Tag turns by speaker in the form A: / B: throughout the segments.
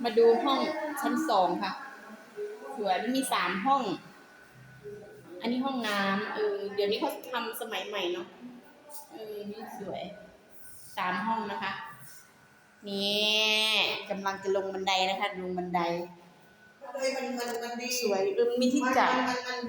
A: มาดูห้องชั้น2ค่ะสวยมันมี3ห้องอันนี้ห้องน้ำเดี๋ยวนี้เขาทำสมัยใหม่เนาะนี่สวย3ห้องนะคะนี่กำลังจะลงบันไดนะคะลงบันได
B: มันดี
A: สวยมีที่จัด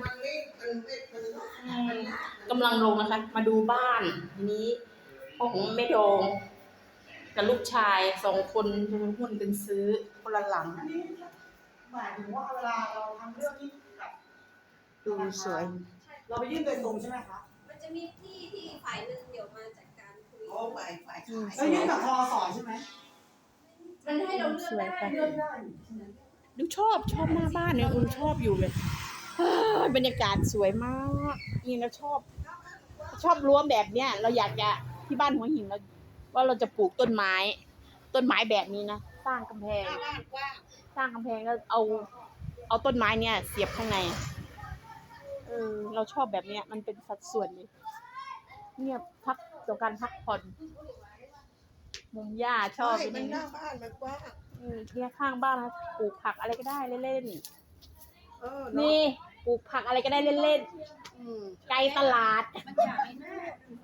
A: กำลังลงนะคะมาดูบ้านทีนี้ห้องแม่ดองกับลูกชาย2คนหุ้นกันซื้อคนละหลัง
B: หมายถึงว่าเวลาเราทำเรื่องที่แบบ
A: ดูสวย
B: เราไปยื่นโดยตรงใช่ไหมคะ
C: มันจะมีที่ฝ่ายหนึ่งเดี๋ยวมาจัดการคุย
B: ฝ่ายแล้วยื่นกับทอสใช่ไหม
C: มันให้เราเลือกได้
A: ดูชอบหน้าบ้านเนี่ยชอบอยู่เลยบรรยากาศสวยมากนี่เราชอบรั้วแบบเนี้ยเราอยากจะที่บ้านหัวหินเราว่าเราจะปลูกต้นไม้แบบนี้นะสร้างกำแพงแล้วเอาต้นไม้เนี่ยเสียบข้างในเราชอบแบบเนี้ยมันเป็นสัดส่วนเลยเนี่ยพักต่อการพักผ่อนมุมหญ้าชอบ
B: มันหน้าบ้านมันกว้าง
A: เนี่ยข้างบ้านนะปลูกผักอะไรก็ได้เล่นๆนี่ปลูกผักอะไรก็ได้เล่นๆไกลตลาด
C: มันอยากให้แม่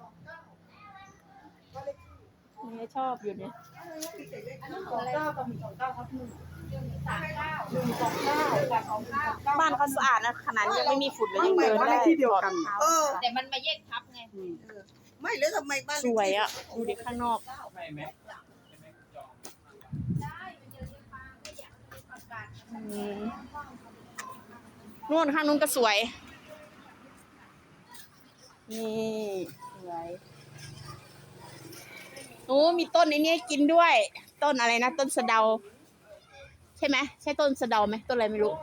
A: เนี่ยชอบอยู่เนี่ย
B: 29กับ129ครับ
A: บ้านเขาสะอาดนะขนาดยังไม่มีฝุ่นเลยยังเดินได้
B: ที่เดียวกัน
C: แต่มันมาแยกทับไง
B: ไม่แล้วทำไมบ้าน
A: สวยอ่ะดูดิข้างนอกนู่นข้างนู้นก็สวยนี่สวยโอ้มีต้นไอ้นี่กินด้วยต้นอะไรนะต้นสะเดาใช่ไหมใช่ต้นสะเดาไหมต้นอะไรไม่รู้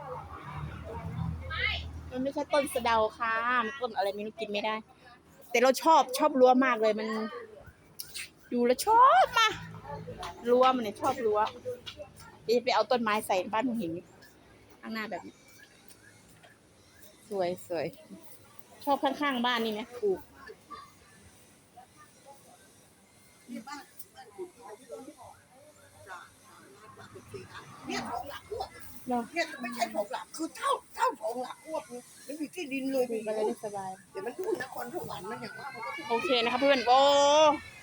A: มันไม่ใช่ต้นสะเดาค่ะมันต้นอะไรไม่รู้กินไม่ได้แต่เราชอบรั้วมากเลยมันดูแล้วชอบมารั้วมันเนี่ยชอบรั้วจะไปเอาต้นไม้ใส่บ้านหัวหินข้างหน้าแบบนี้สวยชอบข้างๆบ้านนี่นะปลูก
B: เนี่ยของหลักอ้วกเนี่ยไม่ใช่ของหลักคือเท่าของหลักอ้วกนี่มันอยู่ที่ดินเลย
A: ปลูกอะไรได้สบาย
B: เดี๋ยวมันดูนครสวรรค์มันอย่างว่า
A: โอเคนะคะเพื่อนโอ้